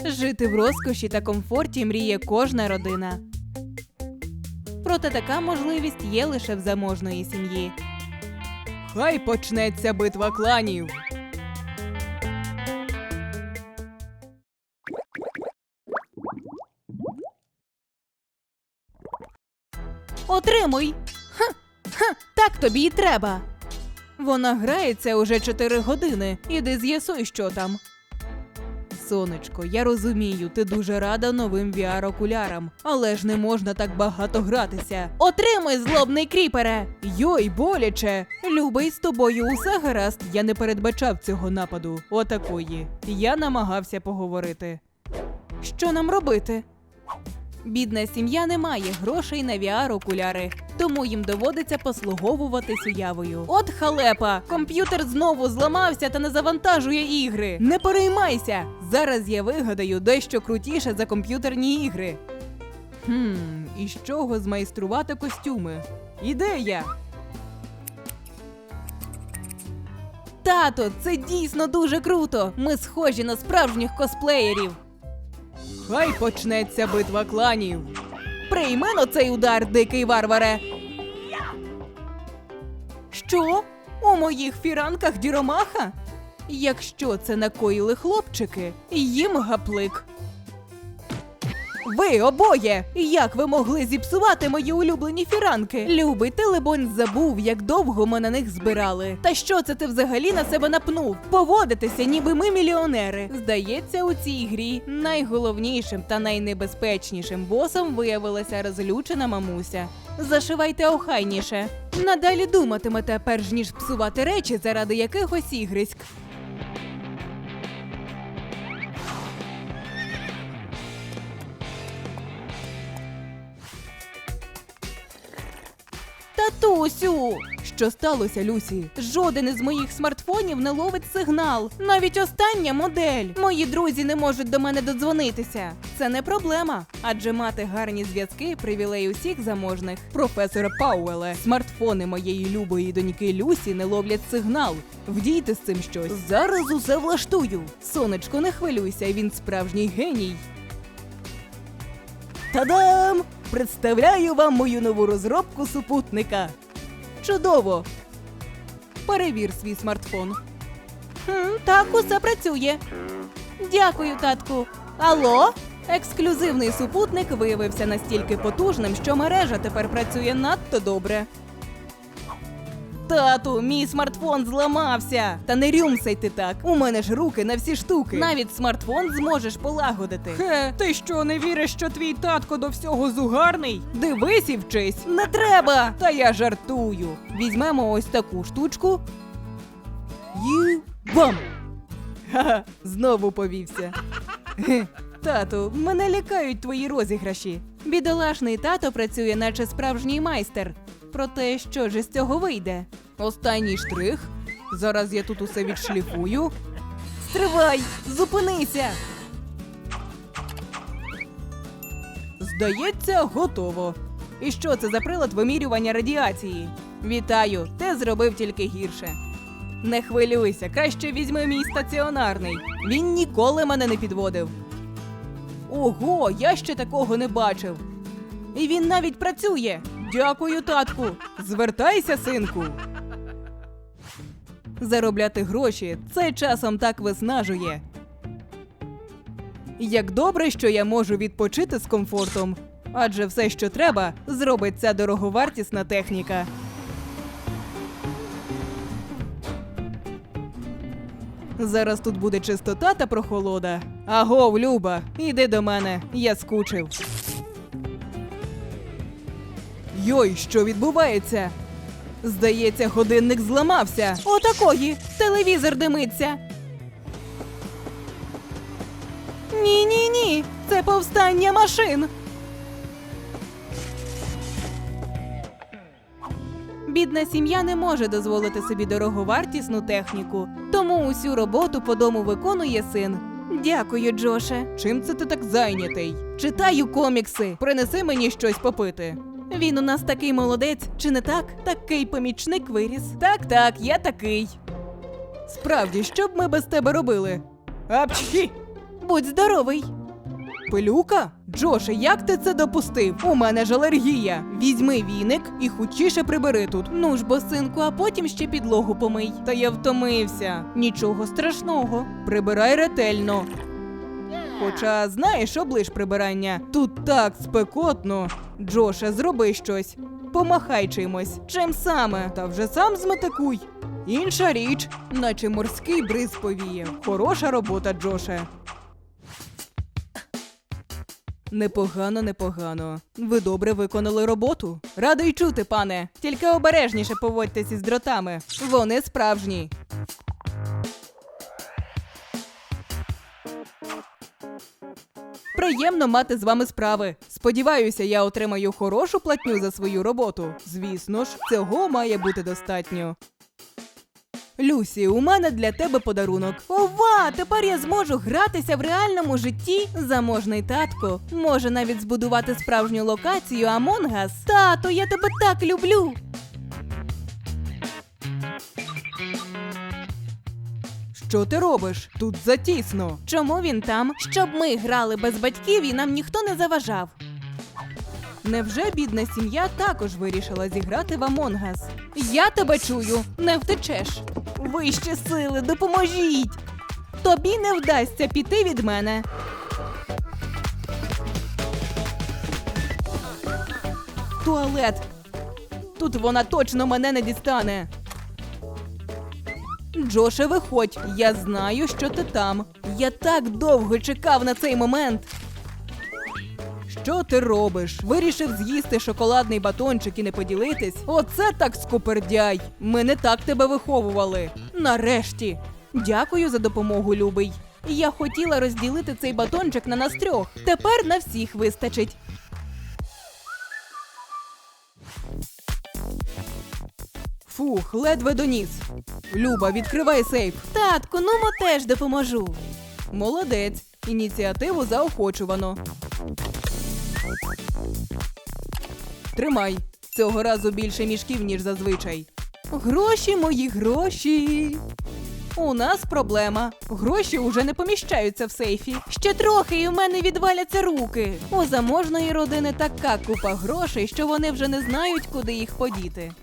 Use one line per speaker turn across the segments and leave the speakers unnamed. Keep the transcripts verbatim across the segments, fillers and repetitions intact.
Жити в розкоші та комфорті мріє кожна родина. Проте така можливість є лише в заможної сім'ї. Хай почнеться битва кланів! Отримуй! Ха! Ха! Так тобі й треба! Вона грається уже чотири години. Іди з'ясуй, що там. Сонечко, я розумію, ти дуже рада новим ві ар-окулярам, але ж не можна так багато гратися. Отримуй, злобний кріпере! Йой, боляче! Любий, з тобою усе гаразд, я не передбачав цього нападу. Отакої. Я намагався поговорити. Що нам робити? Бідна сім'я не має грошей на ві ар-окуляри, тому їм доводиться послуговуватись уявою. От халепа! Комп'ютер знову зламався та не завантажує ігри. Не переймайся! Зараз я вигадаю дещо крутіше за комп'ютерні ігри. Хм, і з чого змайструвати костюми? Ідея! Тато, це дійсно дуже круто! Ми схожі на справжніх косплеєрів! Хай почнеться битва кланів. Прийми на цей удар, дикий варваре. Що? У моїх фіранках діромаха? Якщо це накоїли хлопчики, їм гаплик. Ви обоє! Як ви могли зіпсувати мої улюблені фіранки? Любий, ти, либонь, забув, як довго ми на них збирали. Та що це ти взагалі на себе напнув? Поводитися, ніби ми мільйонери. Здається, у цій грі найголовнішим та найнебезпечнішим босом виявилася розлючена мамуся. Зашивайте охайніше. Надалі думатимете, перш ніж псувати речі заради якихось ігриськ. Татусю! Що сталося, Люсі? Жоден із моїх смартфонів не ловить сигнал. Навіть остання модель. Мої друзі не можуть до мене додзвонитися. Це не проблема, адже мати гарні зв'язки – привілей усіх заможних. Професоре Пауеле, смартфони моєї любої доньки Люсі не ловлять сигнал. Вдійте з цим щось. Зараз усе влаштую. Сонечко, не хвилюйся, він справжній геній. Та-дам! Представляю вам мою нову розробку супутника. Чудово! Перевір свій смартфон. Хм, так, усе працює. Дякую, татку. Алло? Ексклюзивний супутник виявився настільки потужним, що мережа тепер працює надто добре. Тату, мій смартфон зламався! Та не рюмсай ти так, у мене ж руки на всі штуки. Навіть смартфон зможеш полагодити. Хе, ти що, не віриш, що твій татко до всього зугарний? Дивись і вчись. Не треба! Та я жартую. Візьмемо ось таку штучку. І бам! Ха-ха, знову повівся. Хе, тату, мене лякають твої розіграші. Бідолашний тато працює, наче справжній майстер. Проте, що ж із цього вийде? Останній штрих. Зараз я тут усе відшліфую. Стривай! Зупинися! Здається, готово. І що це за прилад вимірювання радіації? Вітаю, ти зробив тільки гірше. Не хвилюйся, краще візьми мій стаціонарний. Він ніколи мене не підводив. Ого, я ще такого не бачив. І він навіть працює. Дякую, татку. Звертайся, синку. Заробляти гроші – це часом так виснажує. Як добре, що я можу відпочити з комфортом. Адже все, що треба, зробить ця дороговартісна техніка. Зараз тут буде чистота та прохолода. Агов, Люба, іди до мене, я скучив. Йой, що відбувається? Здається, годинник зламався. Отакої! Телевізор димиться. Ні-ні-ні, це повстання машин. Бідна сім'я не може дозволити собі дороговартісну техніку, тому усю роботу по дому виконує син. Дякую, Джоше. Чим це ти так зайнятий? Читаю комікси. Принеси мені щось попити. Він у нас такий молодець, чи не так? Такий помічник виріс. Так-так, я такий. Справді, що б ми без тебе робили? Апчхі! Будь здоровий. Пилюка? Джоше, як ти це допустив? У мене ж алергія. Візьми віник і хутчіше прибери тут. Ну ж бо, синку, а потім ще підлогу помий. Та я втомився. Нічого страшного. Прибирай ретельно. Хоча, знаєш, оближ прибирання. Тут так спекотно. Джоше, зроби щось. Помахай чимось. Чим саме? Та вже сам зметикуй. Інша річ, наче морський бриз повіє. Хороша робота, Джоше. Непогано, непогано. Ви добре виконали роботу. Радий чути, пане. Тільки обережніше поводьтесь із дротами. Вони справжні. Приємно мати з вами справи. Сподіваюся, я отримаю хорошу платню за свою роботу. Звісно ж, цього має бути достатньо. Люсі, у мене для тебе подарунок. Ова, тепер я зможу гратися в реальному житті. Заможний татко може навіть збудувати справжню локацію Among Us. Тато, я тебе так люблю. Що ти робиш? Тут затісно. Чому він там? Щоб ми грали без батьків і нам ніхто не заважав. Невже бідна сім'я також вирішила зіграти в Among Us? Я тебе чую, не втечеш. Вище сили, допоможіть! Тобі не вдасться піти від мене. Туалет. Тут вона точно мене не дістане. Джоше, виходь. Я знаю, що ти там. Я так довго чекав на цей момент. Що ти робиш? Вирішив з'їсти шоколадний батончик і не поділитись? Оце так скупердяй! Ми не так тебе виховували. Нарешті! Дякую за допомогу, любий. Я хотіла розділити цей батончик на нас трьох. Тепер на всіх вистачить. Фух, ледве доніс. Люба, відкривай сейф. Татку, ну мо теж допоможу. Молодець. Ініціативу заохочувано. Тримай. Цього разу більше мішків, ніж зазвичай. Гроші, мої гроші. У нас проблема. Гроші уже не поміщаються в сейфі. Ще трохи і в мене відваляться руки. У заможної родини така купа грошей, що вони вже не знають, куди їх подіти.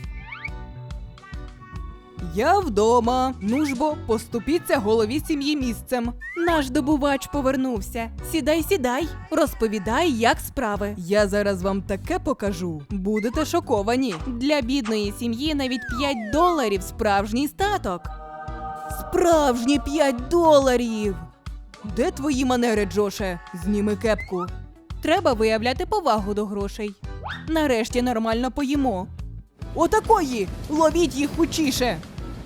Я вдома. Ну ж бо, поступіться голові сім'ї місцем. Наш добувач повернувся. Сідай, сідай. Розповідай, як справи. Я зараз вам таке покажу. Будете шоковані. Для бідної сім'ї навіть п'ять доларів справжній статок. Справжні п'ять доларів! Де твої манери, Джоше? Зніми кепку. Треба виявляти повагу до грошей. Нарешті нормально поїмо. Отакої! Ловіть їх хутчіше!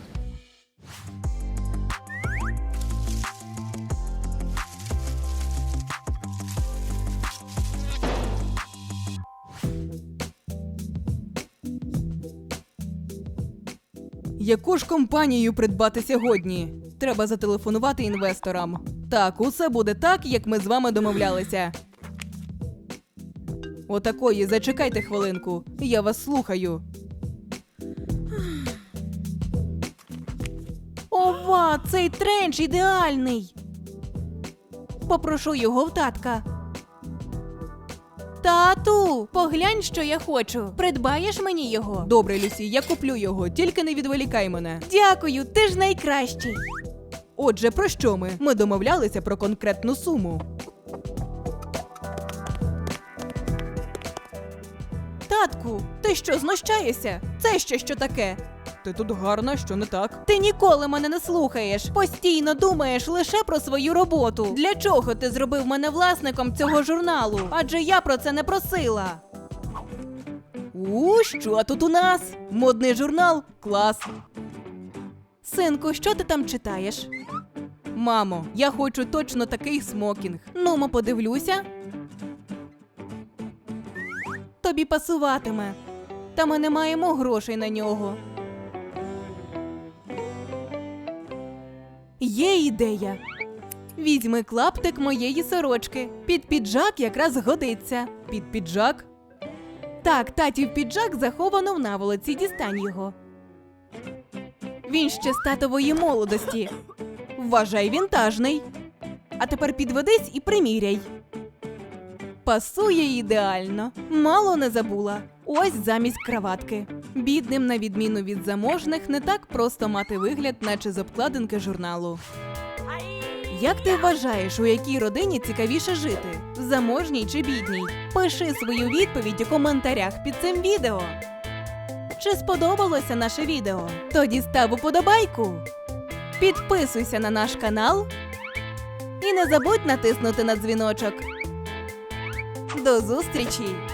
Яку ж компанію придбати сьогодні? Треба зателефонувати інвесторам. Так, усе буде так, як ми з вами домовлялися. Отакої, зачекайте хвилинку. Я вас слухаю. Ова, цей тренч ідеальний! Попрошу його в татка. Тату, поглянь, що я хочу. Придбаєш мені його? Добре, Люсі, я куплю його, тільки не відволікай мене. Дякую, ти ж найкращий. Отже, про що ми? Ми домовлялися про конкретну суму. Татку, ти що, знущаєшся? Це ще що таке? Ти тут гарна, що не так? Ти ніколи мене не слухаєш. Постійно думаєш лише про свою роботу. Для чого ти зробив мене власником цього журналу? Адже я про це не просила. У, що тут у нас? Модний журнал? Клас. Синку, що ти там читаєш? Мамо, я хочу точно такий смокінг. Ну-мо, подивлюся. Тобі пасуватиме. Та ми не маємо грошей на нього. Є ідея. Візьми клаптик моєї сорочки. Під піджак якраз годиться. Під піджак? Так, татів піджак заховано в наволоці, дістань його. Він ще з татової молодості. Вважай, вінтажний. А тепер підведись і приміряй. Пасує ідеально. Мало не забула. Ось замість краватки. Бідним, на відміну від заможних, не так просто мати вигляд, наче з обкладинки журналу. Як ти вважаєш, у якій родині цікавіше жити? Заможній чи бідній? Пиши свою відповідь у коментарях під цим відео. Чи сподобалося наше відео? Тоді став уподобайку. Підписуйся на наш канал. І не забудь натиснути на дзвіночок. До зустрічі!